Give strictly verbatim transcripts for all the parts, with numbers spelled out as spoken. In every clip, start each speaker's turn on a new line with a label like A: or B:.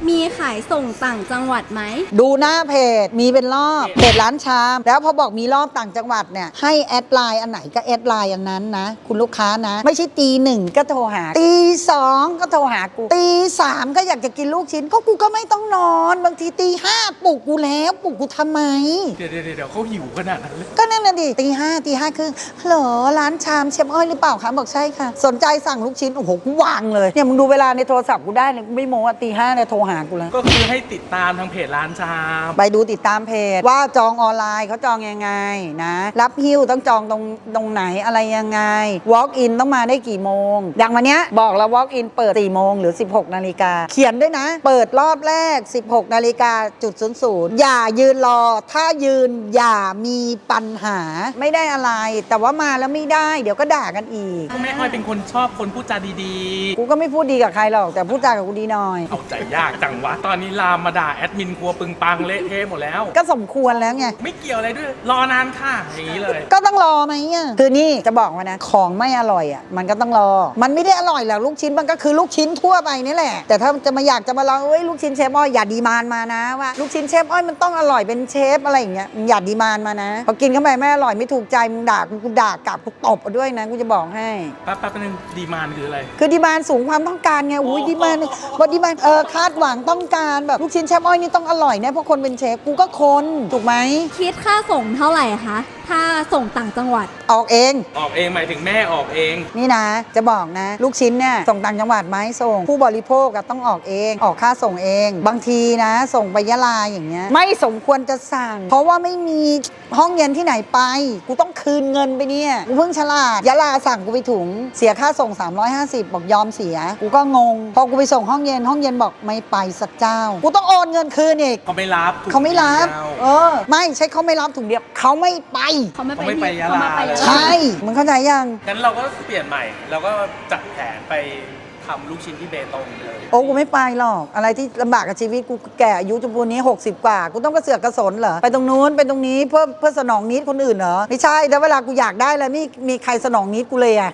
A: มีขายส่งต่างจังหวัดไหม
B: ดูหน้าเพจมีเป็นรอบเพจร้านชามแล้วพอบอกมีรอบต่างจังหวัดเนี่ยให้แอดไลน์อันไหนก็แอดไลน์อันนั้นนะคุณลูกค้านะไม่ใช่ตีหนึ่งก็โทรหาตีสองก็โทรหากูตีสามก็อยากจะกินลูกชิ้นก็กูก็ไม่ต้องนอนบางทีตีห้าปลุกกูแล้วปลุกกูทำไม
C: เดี๋ยวเดี๋ยวเดี๋ยวเขาหิวขนาดนั้นเลย
B: ก็นั่นน่ะดิตีห้าตีห้าครึ่งเหรอร้านชามเชฟอ้อยหรือเปล่าคะบอกใช่ค่ะสนใจสั่งลูกชิ้นโอ้โหกูวางเลยเนี่ยมึงดูเวลาในโทรศัพท์กูได้เลยไม่โม้ว่าตีห้าเนี่ยโทรหากูแล้ว
C: ก็คือให้ติดตามทางเพจร้านชาม
B: ไปดูติดตามเพจว่าจองออนไลน์เขาจองยังไงนะรับหิ้วต้องจองตรงตรงไหนอะไรยังไง walk in ต้องมาได้กี่โมงอย่างวันเนี้ยบอกแล้ว walk in เปิดสี่โมงหรือสิบหกนาฬิกาเขียนด้วยนะเปิดรอบแรกสิบหกนาฬิกาจุดศูนย์ศูนย์อย่ายืนรอถ้ายืนอย่ามีปัญหาไม่ได้อะไรแต่ว่ามาแล้วไม่ได้เดี๋ยวก็ด่ากันอีก
C: แม่อ้อยเป็นคนชอบคนพูดจาดี
B: ๆกูก็ไม่พูดดีกับใครหรอกแต่พูดจากับกูดีหน่อย
C: เอาใจยากจังวะตอนนี้ลามมาด่าแอดมินครัวปึงปังเละเทะหมดแล้ว
B: ก็สมควรแล้วไง
C: ไม่เกี่ยวอะไรด้วยรอนานค่ะอย่างนี้เลย
B: ก็ต้องรอไหมอ่ะคือนี่จะบอกว่านะของไม่อร่อยอ่ะมันก็ต้องรอมันไม่ได้อร่อยหรอกลูกชิ้นมันก็คือลูกชิ้นทั่วไปนี่แหละแต่ถ้าจะมาอยากจะมาลองเอ้ยลูกชิ้นเชฟอ้อยอย่าดีมานมานะว่าลูกชิ้นเชฟอ้อยมันต้องอร่อยเป็นเชฟอะไรอย่างเงี้ยอย่าดีมานมานะพอกินเข้าไปไม่อร่อยไม่ถูกใจมึงด่ากูด่ากลับกูตบเอาด้วยนะกูจะบอกให้
C: แป๊บแป๊บนึงดีมานคืออะไร
B: คือดีมานสูงความต้องการไงอุ้ยดีมานบอดีมานเออคาดหวังต้องการแบบลูกชิ้นเชฟอ้อยนี่ต้องอร่อยแน่เพราะคนเป็นเชฟกูก็คนถูกไหม
A: คิดค่าส่งเท่าไหร่คะถ้าส่งต่างจังหวัด
B: ออกเอง
C: ออกเองหมายถึงแม่ออกเอง
B: นี่นะจะบอกนะลูกชิ้นเนี่ยส่งต่างจังหวัดไหมส่งผู้บริโภคก็ต้องออกเองออกค่าส่งเองบางทีนะส่งไปยะลาอย่างเงี้ยไม่สมควรจะสั่งเพราะว่าไม่มีห้องเย็นที่ไหนไปกูต้องคืนเงินไปเนี่ยกูเพิ่งฉลาดยะลาสั่งกูไปถุงเสียค่าส่งสามร้อยห้าสิบบอกยอมเสียกูก็งงพอกูไปส่งห้องเย็นห้องเย็นบอกไม่ไปสักเจ้ากูต้องโอนเงินคืนอีก
C: เขาไม่รับ
B: เขาไม่รับเออไม่ใช่เขาไม่รับถุงเดียวเขาไม่ไป
A: เขาไม่
C: ไปยะลา
B: ใช่มึงเข้าใจยัง
C: งั้นเราก็เปลี่ยนใหม่เราก็จัดแผนไปทำลูกชิ้นที่เบตงเลย
B: โอ้กูไม่ไปหรอกอะไรที่ลำบากกับชีวิตกูแก่อายุจนปูนนี้หกสิบกว่ากูต้องกระเสือกกระสนเหรอไปตรงนู้นไปตรงนี้เพื่อเพื่อสนองนิดคนอื่นเหรอไม่ใช่แต่เวลากูอยากได้แล้วไม่มีใครสนองนิดกูเลยอะ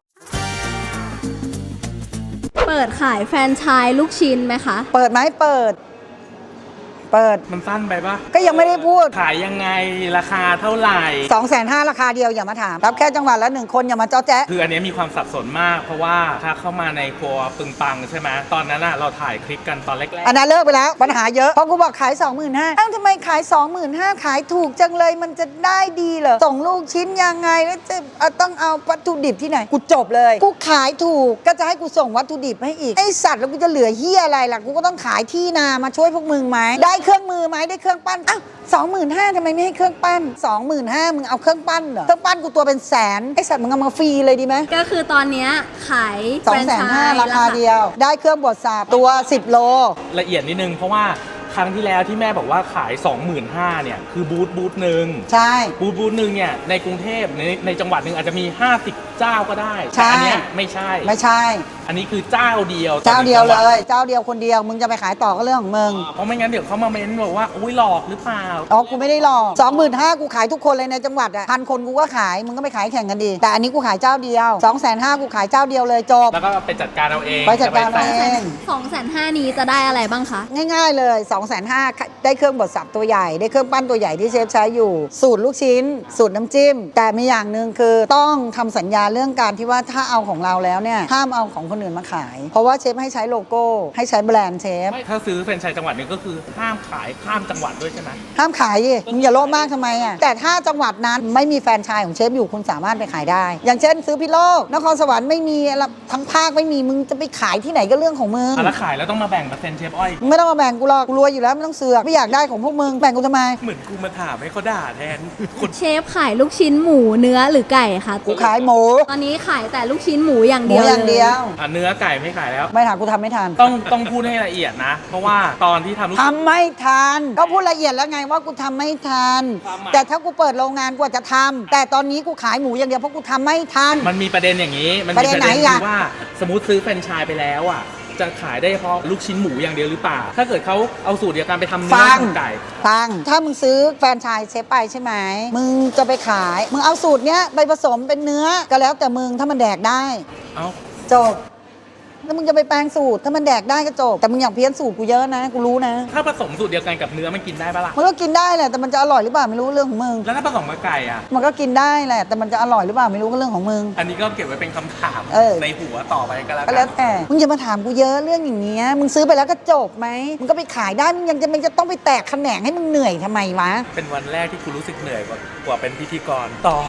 A: เปิดขายแฟรนไชส์ลูกชิ้นไหมคะ
B: เปิดไหมเปิดเปิด
C: มันสั้นไปปะ
B: ก็ยังไม่ได้พูด
C: ขายยังไงราคาเท่าไหร่
B: สองแสนห้าราคาเดียวอย่ามาถามรับแค่จังหวัดละหนึ่งคนอย่ามาเจ้าแจ๊ะ
C: คืออันนี้มีความสับสนมากเพราะว่าถ้าเข้ามาในครัวปึงปังใช่ไหมตอนนั้นอะเราถ่ายคลิปกันตอนแรกๆ
B: อันนั้นเลิกไปแล้วปัญหาเยอะเพราะกูบอกขาย สองหมื่นห้าพัน อ้าวทำไมขาย สองหมื่นห้าพัน ขายถูกจังเลยมันจะได้ดีเหรอส่งลูกชิ้นยังไงแล้วจะต้องเอาวัตถุดิบที่ไหนกูจบเลยกูขายถูกก็จะให้กูส่งวัตถุดิบให้อีกไอสัตว์แล้วกูจะเหลือเหี้ยอะไรล่ะกูก็ต้องขายที่นามาช่วยพวกมึงไหมได้เครื่องมือไหมได้เครื่องปั้นอ้าวสองหมื่นห้าทำไมไม่ให้เครื่องปั้นสองหมื่นห้ามึงเอาเครื่องปั้นเหรอเครื่องปั้นกูตัวเป็นแสนไอสัตว์มึงเอามาฟรีเลยดีไหม
A: ก็คือตอนนี้ขาย
B: สองแสนห้าราคาเดียวได้เครื่องบดสาบตัวสิบโล
C: ละเอียดนิดนึงเพราะว่าครั้งที่แล้วที่แม่บอกว่าขาย สองหมื่นห้าพัน เนี่ยคือบูธบูธหนึ่ง
B: ใช่
C: บูธบูธหนึ่งเนี่ยในกรุงเทพในในจังหวัดหนึ่งอาจจะมีห้าสิบเจ้าก็ได้แต่อันนี้ไม่ใช่
B: ไม่ใช่
C: อันนี้คือเจ้าเดียว
B: เจ้าเดียวเลยเจ้าเดียวคนเดียวมึงจะไปขายต่อก็เรื่องของมึง
C: เพราะไม่งั้นเดี๋ยวเขามาเม้นบอกว่าอุ้ยหลอกหรือเปล่า
B: อ๋อกูไม่ได้หลอก สองหมื่นห้าพัน กูขายทุกคนเลยในจังหวัดอ่ะพันคนกูก็ขายมึงก็ไปขายแข่งกันดีแต่อันนี้กูขายเจ้าเดียว สองแสนห้าพัน กูขายเจ้าเดียวเลยจบ
C: แล้วก็ไปจัดการเอาเอง
B: ไปจัดการเอาเอง
A: สองแสนห้าพัน นี้จะได้อะไรบ้างคะ
B: ง่ายๆเลย สองแสนห้าพัน ได้เครื่องบดสับตัวใหญ่ได้เครื่องปั้นตัวใหญ่ที่เชฟใช้อยู่สูตรลูกชิ้นสูตรน้ำจิ้มแต่มีอย่างหนึ่งคือต้องทำสัญญาเรื่องการที่ว่าถ้าเอาของเราแล้วเนี่ยห้ามเอาของคนอื่นมาขายเพราะว่าเชฟให้ใช้โลโก้ให้ใช้แบรนด์เชฟ
C: ถ้าซื้อแฟรนไชส์จังหวัดนึงก็คือห้ามขายข้ามจังหวัดด้วยใช่ไหม
B: ห้ามขายดิมึงอย่าโลภมากทำไมอ่ะแต่ถ้าจังหวัดนั้นไม่มีแฟรนไชส์ของเชฟอยู่คุณสามารถไปขายได้อย่างเช่นซื้อพิโลกนครสวรรค์ไม่มีทั้งภาคไม่มีมึงจะไปขายที่ไหนก็เรื่องของมึง
C: แล้วขายแล้วต้องมาแบ่งเปอร์เซ็นต์เชฟอ้อย
B: ไม่ต้องมาแบ่งกูหรอกกูรวยอยู่แล้วไม่ต้องเสือกไม่อยากได้ของพวกมึงแบ่งกูทำไม
C: เหมือนกูมาถามให้เขาด่าแทน
A: เชฟขายลูกชิ้นหมูเนื้อหรือไก่คะ
B: กูขายหมู
A: ตอนนี้ขายแต่ลูกชิ้นหมูอย่างเดียว
B: อย่างเดียว
C: อ่ะเนื้อไก่ไม่ขายแล้ว
B: ไม่ถามกูทำไม่ทัน
C: ต้องต้องพูดให้ละเอียดนะเพราะว่าตอนที่ทำลูก
B: ทำไม่ทันก็พูดละเอียดแล้วไงว่ากูทำไม่ทันแต่ถ้ากูเปิดโรงงานกูจะทำแต่ตอนนี้กูขายหมูอย่างเดียวเพราะกูทำไม่ทัน
C: มันมีประเด็นอย่างนี้มันมี
B: ประเด็นไหนอ่ะ
C: ว่าสมมติซื้อแฟรนไชส์ไปแล้วอ่ะจะขายได้เฉพาะลูกชิ้นหมูอย่างเดียวหรือเปล่าถ้าเกิดเขาเอาสูตรเดียวกันไปทำเนื้อไก่
B: ฟังถ้ามึงซื้อแฟรนไชส์เชฟไปใช่ไหมมึงจะไปขายมึงเอาสูตรเนี้ยไปผสมเป็นเนื้อก็แล้วแต่มึงถ้ามันแดกได้
C: เอา
B: จบแล้วมึงจะไปแปลงสูตรถ้ามันแดกได้ก็จบแต่มึงอยากเพี้ยนสูตรกูเยอะนะกูรู้นะ
C: ถ้าผสมสูตรเดียวกันกับเนื้อมันกินได้ปะล่ะ
B: มันก็กินได้แหละแต่มันจะอร่อยหรือเปล่าไม่รู้เรื่องของมึง
C: แล้วถ้าผสมกับไก่อ่ะ
B: มันก็กินได้แหละแต่มันจะอร่อยหรือเปล่าไม่รู้ก็เรื่องของมึง
C: อันนี้ก็เก็บไว้เป็นคำถาม
B: เออ
C: ในหัวต่อไปก็แล้ว
B: ก็
C: กั
B: แล้ว
C: น
B: แต่มึงอย่ามาถามกูเยอะเรื่องอย่างเงี้ยมึงซื้อไปแล้วก็จบไหมมึงก็ไปขายได้มึงยังจะมันจะต้องไปแตกแขนงให้มึงเหนื่อยทำไมวะ
C: เป็นวันแรกที่กูรู้สึกเหนื่อยกว่ากว่าเป็นพิธีกรต่อ